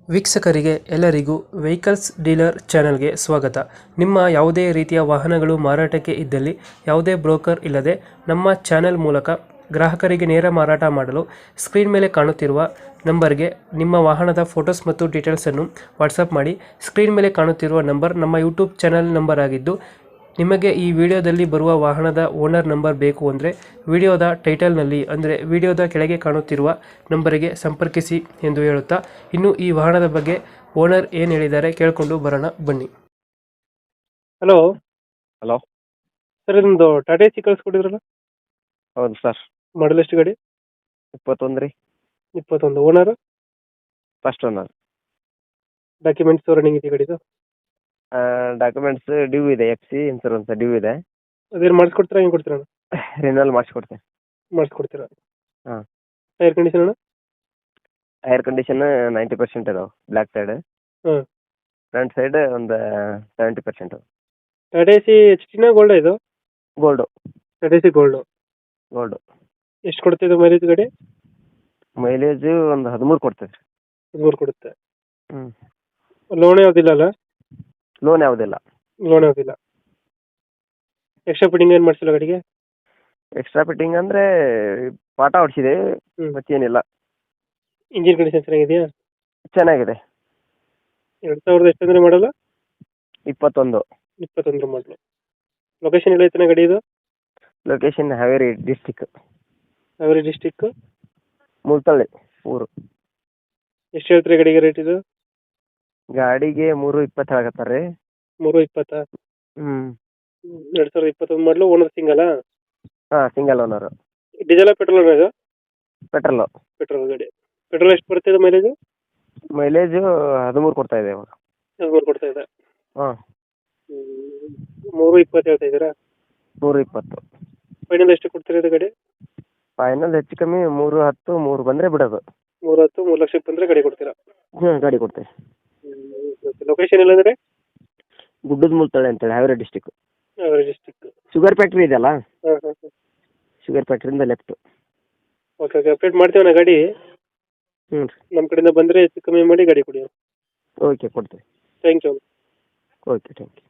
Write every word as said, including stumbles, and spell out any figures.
ವೀಕ್ಷಕರಿಗೆ ಎಲ್ಲರಿಗೂ vehicles dealer ಚಾನೆಲ್ಗೆ ಸ್ವಾಗತ. ನಿಮ್ಮ ಯಾವುದೇ ರೀತಿಯ ವಾಹನಗಳು ಮಾರಾಟಕ್ಕೆ ಇದ್ದಲ್ಲಿ ಯಾವುದೇ ಬ್ರೋಕರ್ ಇಲ್ಲದೆ ನಮ್ಮ ಚಾನೆಲ್ ಮೂಲಕ ಗ್ರಾಹಕರಿಗೆ ನೇರ ಮಾರಾಟ ಮಾಡಲು ಸ್ಕ್ರೀನ್ ಮೇಲೆ ಕಾಣುತ್ತಿರುವ ನಂಬರ್ಗೆ ನಿಮ್ಮ ವಾಹನದ ಫೋಟೋಸ್ ಮತ್ತು ಡೀಟೇಲ್ಸನ್ನು ವಾಟ್ಸಪ್ ಮಾಡಿ. ಸ್ಕ್ರೀನ್ ಮೇಲೆ ಕಾಣುತ್ತಿರುವ ನಂಬರ್ ನಮ್ಮ ಯೂಟ್ಯೂಬ್ ಚಾನೆಲ್ ನಂಬರ್ ಆಗಿದ್ದು, ನಿಮಗೆ ಈ ವಿಡಿಯೋದಲ್ಲಿ ಬರುವ ವಾಹನದ ಓನರ್ ನಂಬರ್ ಬೇಕು ಅಂದರೆ ವಿಡಿಯೋದ ಟೈಟಲ್ನಲ್ಲಿ ಅಂದರೆ ವಿಡಿಯೋದ ಕೆಳಗೆ ಕಾಣುತ್ತಿರುವ ನಂಬರಿಗೆ ಸಂಪರ್ಕಿಸಿ ಎಂದು ಹೇಳುತ್ತಾ, ಇನ್ನು ಈ ವಾಹನದ ಬಗ್ಗೆ ಓನರ್ ಏನು ಹೇಳಿದ್ದಾರೆ ಕೇಳಿಕೊಂಡು ಬರೋಣ ಬನ್ನಿ. Hello hello. ಸರ್, ಇದೊಂದು ಟಾಟಾ ಎಸಿ ಕಳಿಸ್ಕೊಟ್ಟಿದ್ರಲ್ಲ, ಹೌದು ಸರ್. ಮಾಡಲ್ ಎಷ್ಟು ಗಾಡಿ? ಇಪ್ಪತ್ತೊಂದು ರೀ. ಇಪ್ಪತ್ತೊಂದು. Owner? First owner. Documents running ಇದೆ ಗಾಡಿದು? ಡಾಕ್ಯುಮೆಂಟ್ಸ್ ಡ್ಯೂ ಇದೆ, ಎಫ್ ಸಿ ಇನ್ಸೂರೆನ್ಸ್ ಡ್ಯೂ ಇದೆ. ಅದೇನು ಮಾಡಿಸ್ಕೊಡ್ತೀರಾ, ಹೆಂಗೆ ಕೊಡ್ತೀರಾ? ರಿನಲ್ ಮಾಡಿಸ್ಕೊಡ್ತೇನೆ. ಮಾಡಿಸ್ಕೊಡ್ತೀರಾ? ಹಾಂ. ಟೈರ್ ಕಂಡೀಷನ್ ಅಣ್ಣ? ಏರ್ ಕಂಡೀಷನ್ ನೈಂಟಿ ಪರ್ಸೆಂಟ್ ಇದಾವೆ ಬ್ಲ್ಯಾಕ್ ಸೈಡ್. ಹಾಂ. ಫ್ರಂಟ್ ಸೈಡ್ ಒಂದು seventy percent. Tata Ace H ಟಿನ ಗೋಲ್ಡ್ ಇದು? Gold. Tata Ace Gold. Gold. ಎಷ್ಟು ಕೊಡ್ತಿದ್ದು ಮೈಲೇಜ್ ಗಾಡಿ? ಮೈಲೇಜು ಒಂದು ಹದಿಮೂರು ಕೊಡ್ತದೆ. ಹದಿಮೂರು ಕೊಡುತ್ತೆ. ಹ್ಞೂ. ಲೋನ್ ಯಾವುದಿಲ್ಲ ಅಲ್ಲ? ಲೋನ್ ಯಾವುದಿಲ್ಲ. ಲೋನ್ ಯಾವುದಿಲ್ಲ. ಎಕ್ಸ್ಟ್ರಾ ಫಿಟ್ಟಿಂಗ್ ಏನು ಮಾಡಿಸಿಲ್ಲ ಗಾಡಿಗೆ? ಎಕ್ಸ್ಟ್ರಾ ಫಿಟ್ಟಿಂಗ್ ಅಂದರೆ ಪಾಟ ಹೊಡಿಸಿದೆ, ಹ್ಞೂ. ಮತ್ತೇನಿಲ್ಲ. ಇಂಜಿನ್ ಕಂಡೀಷನ್ ಚೆನ್ನಾಗಿದೆಯಾ? ಚೆನ್ನಾಗಿದೆ. ಎರಡು ಸಾವಿರದ ಎಷ್ಟು ಅಂದರೆ ಮಾಡಲ್ಲ? ಇಪ್ಪತ್ತೊಂದು. ಇಪ್ಪತ್ತೊಂದರ ಮಾಡಲು. ಲೊಕೇಶನ್ ಎಲ್ಲ ಐತನ ಗಾಡಿ ಇದು? Location Haveri district. Haveri district? Multalli ಊರು. ಎಷ್ಟು ಹೇಳ್ತೀರಿ ಗಾಡಿಗೆ ರೇಟ್ ಇದು? ಗಾಡಿಗೆ ಮೂರು ಇಪ್ಪತ್ತು ಹೇಳಕತ್ತಾರೆ ರೀ. ಮೂರು ಇಪ್ಪತ್ತಾ? ಹ್ಞೂ. ಎರಡು ಸಾವಿರದ ಇಪ್ಪತ್ತೊಂದು ಮಾಡಲು. ಓನರ್ ಸಿಂಗಲಾ? ಹಾಂ, ಸಿಂಗಲ್ ಓನರು. ಡೀಸೆಲ್ ಪೆಟ್ರೋಲ್ ಇದು? ಪೆಟ್ರೋಲು. ಪೆಟ್ರೋಲ್ ಗಾಡಿ. ಪೆಟ್ರೋಲ್ ಎಷ್ಟು ಬರ್ತಿದೆ ಮೈಲೇಜು? ಮೈಲೇಜು ಹದಿಮೂರು ಕೊಡ್ತಾ ಇದೆ ಇವಾಗ. ಹದಿಮೂರು ಕೊಡ್ತಾ ಇದೆ. ಹಾಂ. ಮೂರು ಇಪ್ಪತ್ತು ಹೇಳ್ತಾ ಇದ್ದೀರಾ? ಮೂರು ಇಪ್ಪತ್ತು. ಫೈನಲ್ ಎಷ್ಟು ಕೊಡ್ತೀರಾ ಇದು ಗಾಡಿ? ಫೈನಲ್ ಹೆಚ್ಚು ಕಮ್ಮಿ ಮೂರು ಹತ್ತು ಮೂರು ಬಂದರೆ ಬಿಡೋದು. ಮೂರು ಹತ್ತು ಮೂರು ಲಕ್ಷಕ್ಕೆ ಬಂದರೆ ಗಾಡಿ ಕೊಡ್ತೀರಾ? ಹ್ಞೂ, ಗಾಡಿ ಕೊಡ್ತೇವೆ. ಲೊಕೇಶನ್ ಎಲ್ಲಂದರೆ? ಗುಡ್ಡದ ಮುಲ್ತಳ್ಳಿ ಅಂತೇಳಿ, Haveri district. Haveri district. Sugar factory ಇದೆಯಲ್ಲ, ಹಾಂ ಹಾಂ ಹಾಂ. ಶುಗರ್ ಫ್ಯಾಕ್ಟ್ರಿಯಿಂದ ಲೆಫ್ಟು. ಓಕೆ ಓಕೆ, ಅಪ್ಡೇಟ್ ಮಾಡ್ತೀವಣ್ಣ ಗಾಡಿ. ಹ್ಞೂ. ನಮ್ಮ ಕಡೆಯಿಂದ ಬಂದರೆ ಹೆಚ್ಚು ಕಮ್ಮಿ ಮಾಡಿ ಗಾಡಿ ಕೊಡಿ. ಓಕೆ, ಕೊಡ್ತೇವೆ. Thank you. Okay, thank you.